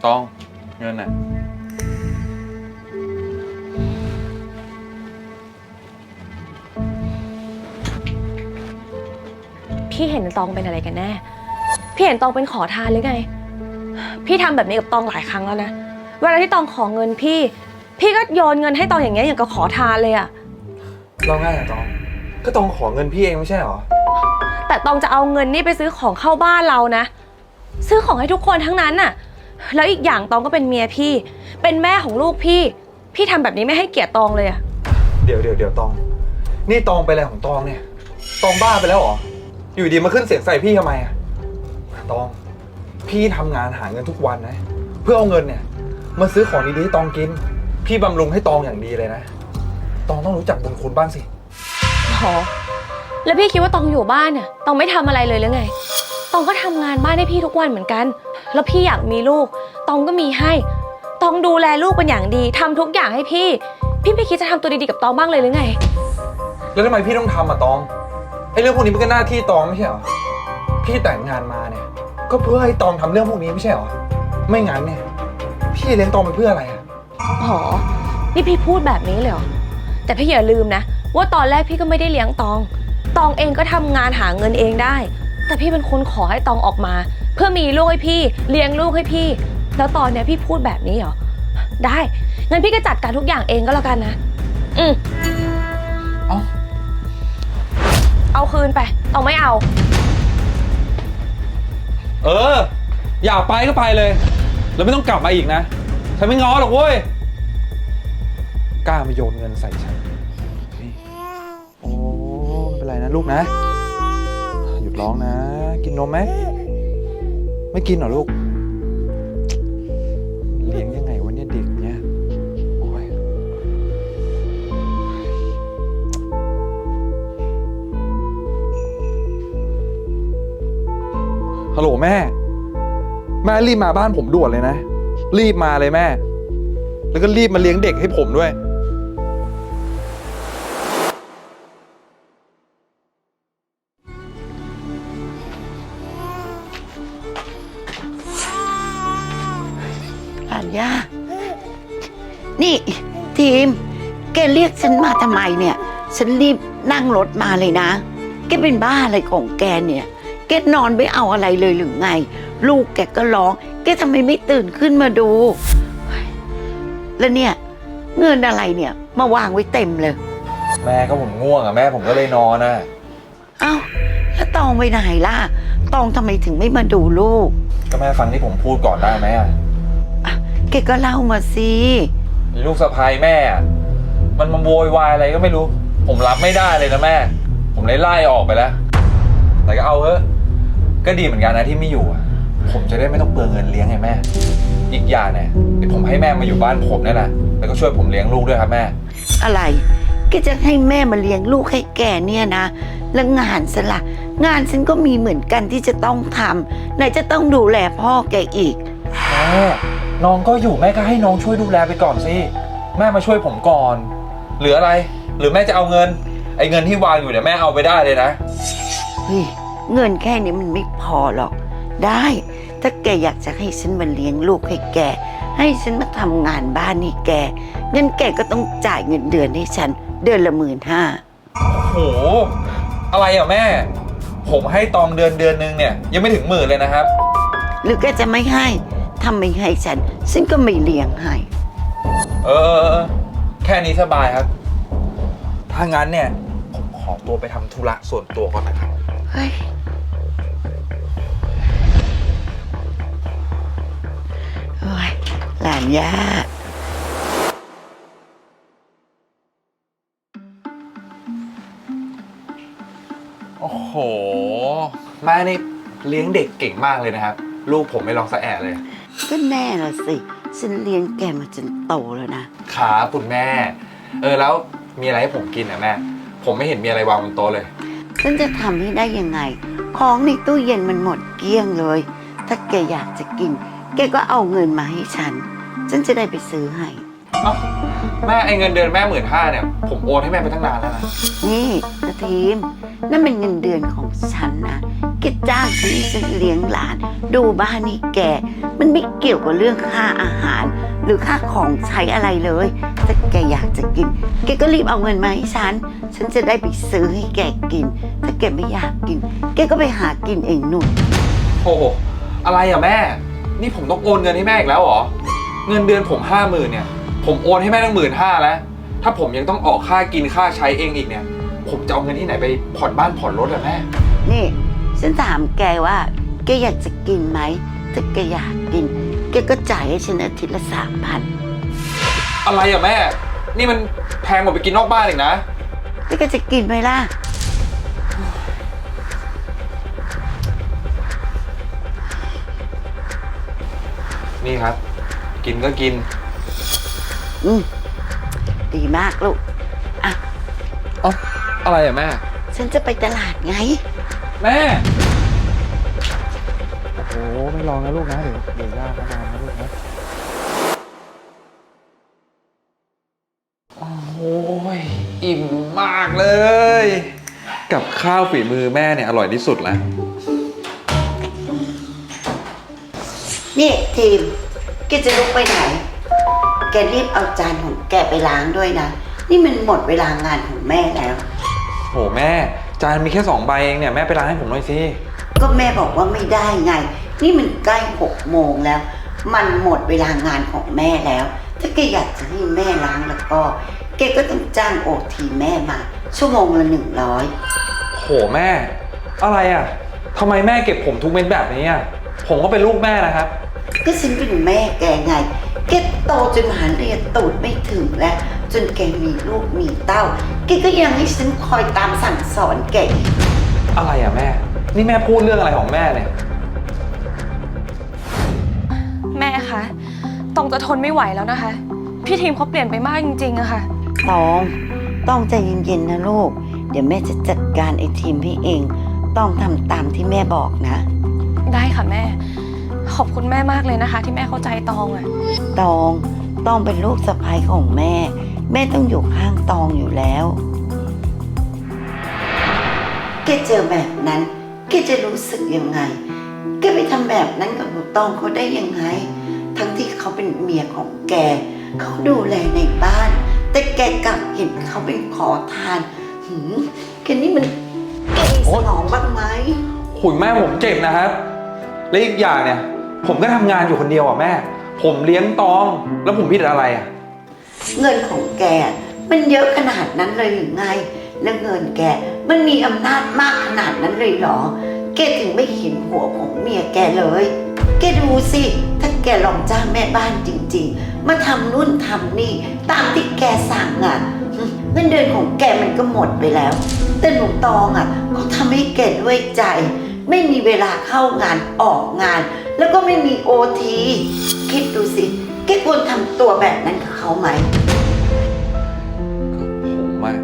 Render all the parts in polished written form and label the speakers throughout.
Speaker 1: ตองเงินน่ะ
Speaker 2: พี่เห็นตองเป็นอะไรกันแน่พี่เห็นตองเป็นขอทานหรือไงพี่ทำแบบนี้กับตองหลายครั้งแล้วนะเวลาที่ตองขอเงินพี่ก็โยนเงินให้ตองอย่างเงี้ยอย่างกับขอทานเลยอะ
Speaker 1: เราง่ายอะตองก็ตองขอเงินพี่เองไม่ใช่หรอ
Speaker 2: แต่ตองจะเอาเงินนี่ไปซื้อของเข้าบ้านเรานะซื้อของให้ทุกคนทั้งนั้นน่ะแล้วอีกอย่างตองก็เป็นเมียพี่เป็นแม่ของลูกพี่ทำแบบนี้ไม่ให้เกียรติตองเลยอะ
Speaker 1: เดี๋ยวตองนี่ตองไปอะไรของตองเนี่ยตองบ้าไปแล้วเหรออยู่ดีมาขึ้นเสียงใส่พี่ทำไมอะตองพี่ทำงานหาเงินทุกวันนะเพื่อเอาเงินเนี่ยมาซื้อของดีๆให้ตองกินพี่บำรุงให้ตองอย่างดีเลยนะตองต้องรู้จักบุญคุณบ้างสิ
Speaker 2: อ๋อแล้วพี่คิดว่าตองอยู่บ้านเนี่ยตองไม่ทำอะไรเลยหรือไงตองก็ทำงานบ้านให้พี่ทุกวันเหมือนกันแล้วพี่อยากมีลูกตองก็มีให้ตองดูแลลูกเป็นอย่างดีทำทุกอย่างให้พี่ไม่คิดจะทำตัวดีๆกับตองบ้างเลยหรือไง
Speaker 1: แล้วทำไมพี่ต้องทำอะตองไอ้เรื่องพวกนี้มันก็หน้าที่ตองไม่ใช่เหรอพี่แต่งงานมาเนี่ยก็เพื่อให้ตองทำเรื่องพวกนี้ไม่ใช่เหรอไม่งั้นเนี่ยพี่เลี้ยงตองไปเพื่ออะไรอะ
Speaker 2: อ๋อนี่พี่พูดแบบนี้เลยเหรอแต่พี่อย่าลืมนะว่าตอนแรกพี่ก็ไม่ได้เลี้ยงตองเองก็ทำงานหาเงินเองได้แต่พี่เป็นคนขอให้ตองออกมาเพื่อมีลูกให้พี่เลี้ยงลูกให้พี่แล้วตอนเนี้ยพี่พูดแบบนี้เหรอได้งั้นพี่ก็จัดการทุกอย่างเองก็แล้วกันนะเอาคืนไปตองไม่เอา
Speaker 1: อยากไปก็ไปเลยแล้วไม่ต้องกลับมาอีกนะฉันไม่ง้อหรอกเว้ยกล้ามาโยนเงินใส่ฉันนี่โอ้ไม่เป็นไรนะลูกนะหยุดร้องนะกินนมไหมไม่กินเหรอลูกเลี้ยงยังไงวะเนี่ยเด็กเนี่ยโอ้ยฮัลโหลแม่รีบมาบ้านผมด่วนเลยนะรีบมาเลยแม่แล้วก็รีบมาเลี้ยงเด็กให้ผมด้วย
Speaker 3: หลานย่านี่ทีมแกเรียกฉันมาทำไมเนี่ยฉันรีบนั่งรถมาเลยนะแกเป็นบ้าอะไรของแกเนี่ยแกนอนไม่เอาอะไรเลยหรือไงลูกแกก็ร้องแกทำไมไม่ตื่นขึ้นมาดูแล้วเนี่ยเงินอะไรเนี่ยมาวางไว้เต็มเลย
Speaker 1: แม่ก็ผมง่วงอ่ะแม่ผมก็เลยนอนน่ะ
Speaker 3: เอ้าแล้วตองไปไหนล่ะตองทำไมถึงไม่มาดูลูก
Speaker 1: ก็แม่ฟังที่ผมพูดก่อนได้ไหมอ่ะ
Speaker 3: แกก็เล่ามาสิ
Speaker 1: ลูกสะใภ้แม่มันมาโวยวายอะไรก็ไม่รู้ผมรับไม่ได้เลยนะแม่ผมเลยไล่ออกไปแล้วแต่ก็เอาเถอะก็ดีเหมือนกันนะที่ไม่อยู่ผมจะได้ไม่ต้องเปลืองเงินเลี้ยงไงแม่อีกอย่างเนี่ยเดี๋ยวผมให้แม่มาอยู่บ้านผมนี่แหละแล้วก็ช่วยผมเลี้ยงลูกด้วยครับแม่
Speaker 3: อะไรแกจะให้แม่มาเลี้ยงลูกให้แกเนี่ยนะแล้วงานฉันล่ะงานฉันก็มีเหมือนกันที่จะต้องทำไหนจะต้องดูแลพ่อแกอีก
Speaker 1: แม่น้องก็อยู่แม่ก็ให้น้องช่วยดูแลไปก่อนสิแม่มาช่วยผมก่อนหรืออะไรหรือแม่จะเอาเงินไอ้เงินที่วางอยู่เนี่ยแม่เอาไปได้เลยนะ
Speaker 3: เฮ้ยเงินแค่นี้มันไม่พอหรอกได้ถ้าแกอยากจะให้ฉันมาเลี้ยงลูกให้แกให้ฉันมาทำงานบ้านให้แกงั้นแกก็ต้องจ่ายเงินเดือนให้ฉันเดือนละ15,000
Speaker 1: โอ้โหอะไรอ่ะแม่ผมให้ตองเดือนนึงเนี่ยยังไม่ถึง10,000เลยนะครับ
Speaker 3: หรือแกจะไม่ให้ทำไม่ให้ฉันก็ไม่เลี้ยงให้
Speaker 1: แค่นี้สบายครับถ้างั้นเนี่ยผมขอตัวไปทำธุระส่วนตัวก่อนนะครับ
Speaker 3: เฮ้ยโอ้ยหลานย่า
Speaker 1: โอ้โหแม่นี่เลี้ยงเด็กเก่งมากเลยนะครับลูกผมไม่ลองสะแอะเลย
Speaker 3: ก็แน่ละสิฉันเลี้ยงแกมาจนโตแล้วนะครับ
Speaker 1: คุณแม่แล้วมีอะไรให้ผมกินอ่ะแม่ผมไม่เห็นมีอะไรวางบนโต๊ะเลย
Speaker 3: ฉันจะทำให้ได้ยังไงของในตู้เย็นมันหมดเกลี้ยงเลยถ้าแกอยากจะกินแกก็เอาเงินมาให้ฉันจะได้ไปซื้อให้
Speaker 1: แม่ไอเงินเดือนแม่15,000เนี่ยผมโอนให้แม่ไปตั้งนานแล้วนะ
Speaker 3: นี่นะทีมนั่นเป็นเงินเดือนของฉันนะแกแกจ้างฉันให้ฉันเลี้ยงหลาน ดูบ้านนี่แก มันไม่เกี่ยวกับเรื่องค่าอาหาร หรือค่าของใช้อะไรเลยถ้าแกอยากจะกิน แกก็รีบเอาเงินมาให้ฉันจะได้ไปซื้อให้แกกิน ถ้าแกไม่อยากกิน แกก็ไปหากินเองนู่น
Speaker 1: โอ้โหอะไรอะแม่ นี่ผมต้องโอนเงินให้แม่อีกแล้วเหรอ เงินเดือนผม50,000เนี่ย ผมโอนให้แม่ตั้ง15,000แล้ว ถ้าผมยังต้องออกค่ากินค่าใช้เองอีกเนี่ย ผมจะเอาเงินที่ไหนไปผ่อนบ้านผ่อนรถอะแม่
Speaker 3: นี่ ฉันถามแกว่า แกอยากจะกินไหม ถ้าแกอยากกิน แกก็จ่ายให้ฉันอาทิตย์ละ3,000
Speaker 1: อะไรอะแม่ นี่มันแพงกว่าไปกินนอกบ้านอีกนะ
Speaker 3: แล้วแกจะกินไหมล่ะ
Speaker 1: นี่ครับ กินก็กิน
Speaker 3: ดีมากลูก อ่ะ
Speaker 1: เอ้าอะไรอะแม่
Speaker 3: ฉันจะไปตลาดไง
Speaker 1: แม่ โอ้โหไม่ลองนะลูกนะเดี๋ยวยากนะนะลูกนะโอ้ยอิ่มมากเลย กับข้าวฝีมือแม่เนี่ยอร่อยที่สุดแล้ว
Speaker 3: นี่ทีม แกจะลุกไปไหน แกรีบเอาจานของแกไปล้างด้วยนะ นี่มันหมดเวลางานของแม่แล้ว
Speaker 1: โหแม่จานมีแค่2 ใบเองเนี่ยแม่ไปล้างให้ผมหน่อยสิ
Speaker 3: ก็แม่บอกว่าไม่ได้ไง นี่มันใกล้6 โมงแล้ว มันหมดเวลางานของแม่แล้ว ถ้าแกอยากจะให้แม่ล้างแล้วก็ แกก็ต้องจ้างโอทีแม่มา ชั่วโมงละ100
Speaker 1: โหแม่ อะไรอ่ะทำไมแม่เก็บผมทุกเม็ดแบบนี้อ่ะผมก็เป็นลูกแม่นะครับ
Speaker 3: ก็ฉันเป็นแม่แกไง แกโตจนหาเรียนตูดไม่ถึงแล้ว จนแกมีลูกมีเต้า แกก็ยังให้ฉันคอยตามสั่งสอนแกอีก
Speaker 1: อะไรอ่ะแม่ นี่แม่พูดเรื่องอะไรของแม่เนี่ย
Speaker 2: แม่คะตองจะทนไม่ไหวแล้วนะคะ พี่ทีมเขาเปลี่ยนไปมากจริงๆอะค่ะ
Speaker 3: ต้องใจเย็นๆนะลูก เดี๋ยวแม่จะจัดการไอ้ทีมให้เอง ต้องทำตามที่แม่บอกนะ
Speaker 2: ได้ค่ะแม่ ขอบคุณแม่มากเลยนะคะ ที่แม่เข้าใจตองอะ
Speaker 3: ต้องเป็นลูกสะใภ้ของแม่ แม่ต้องอยู่ข้างตองอยู่แล้ว แกเจอแบบนั้น แกจะรู้สึกยังไง แกไปทำแบบนั้นกับหนูตองเขาได้ยังไง ทั้งที่เขาเป็นเมียของแก เขาดูแลในบ้าน แต่แกกลับเห็นเขาเป็นขอทานแกนี่มันแกมีสมองบ้างไหม
Speaker 1: ขุยแม่ผมเจ็บนะครับ และอีกอย่างเนี่ย ผมก็ทำงานอยู่คนเดียวอ่ะแม่ ผมเลี้ยงตอง แล้วผมผิดอะไรอ่ะ
Speaker 3: เงินของแกมันเยอะขนาดนั้นเลยหรือไง แล้วเงินแกมันมีอำนาจมากขนาดนั้นเลยเหรอ แกถึงไม่เห็นหัวของเมียแกเลย แกดูสิ ถ้าแกลองจ้างแม่บ้านจริงๆ มาทำนู่นทำนี่ตามที่แกสั่งเงินเดือนของแกมันก็หมดไปแล้ว แต่หนูตองเขาทำให้แกด้วยใจ ไม่มีเวลาเข้างานออกงาน แล้วก็ไม่มีโอทีคิดดูสิ แกควรทำตัวแบบนั้นกับเขาไหม
Speaker 1: ผมอะ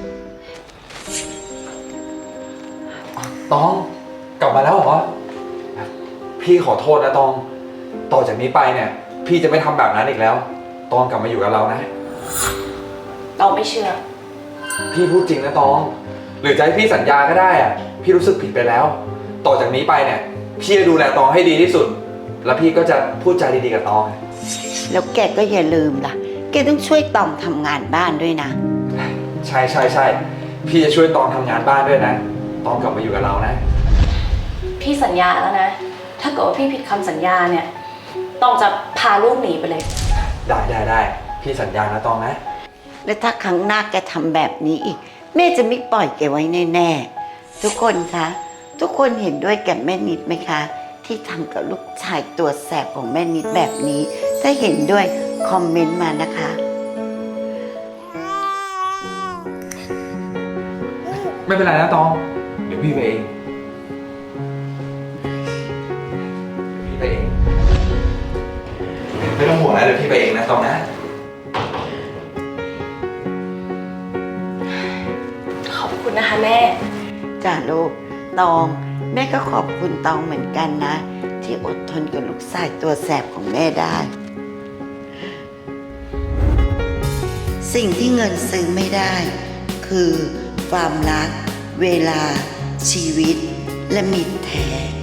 Speaker 1: ตองกลับมาแล้วเหรอ พี่ขอโทษนะตอง ต่อจากนี้ไปเนี่ย พี่จะไม่ทำแบบนั้นอีกแล้ว ตองกลับมาอยู่กับเรานะ
Speaker 2: ตองไม่เชื่อ
Speaker 1: พี่พูดจริงนะตอง หรือจะให้พี่สัญญาก็ได้อะพี่รู้สึกผิดไปแล้ว ต่อจากนี้ไปเนี่ย พี่จะดูแลตองให้ดีที่สุด แล้วพี่ก็จะพูดจาดีๆกับตอง
Speaker 3: แล้วแกก็อย่าลืมล่ะ แกต้องช่วยตองทำงานบ้านด้วยนะ
Speaker 1: ใช่ใช่ใช่พี่จะช่วยตองทำงานบ้านด้วยนะ ตองกลับมาอยู่กับเรานะ
Speaker 2: พี่สัญญาแล้วนะ ถ้าเกิดว่าพี่ผิดคำสัญญาเนี่ยตองจะพาลูกหนีไปเลย
Speaker 1: ได้พี่สัญญานะตองนะ
Speaker 3: และถ้าครั้งหน้าแกทำแบบนี้อีก แม่จะไม่ปล่อยแกไว้แน่ๆ ทุกคนคะ ทุกคนเห็นด้วยกับแม่นิดไหมคะ ที่ทำกับลูกชายตัวแสบของแม่นิดแบบนี้ ถ้าเห็นด้วยคอมเมนต์มานะคะ
Speaker 1: ไม่เป็นไรนะตอง เดี๋ยวพี่ไปเองพี่ไปเอง ไม่ต้องห่วงนะเดี๋ยวพี่ไปเองนะตองนะ
Speaker 2: ขอบคุณนะคะแม่
Speaker 3: จ้าลูกตอง แม่ก็ขอบคุณตองเหมือนกันนะ ที่อดทนกับลูกชายตัวแสบของแม่ได้ สิ่งที่เงินซื้อไม่ได้ คือความรัก เวลา ชีวิตและมิตรแท้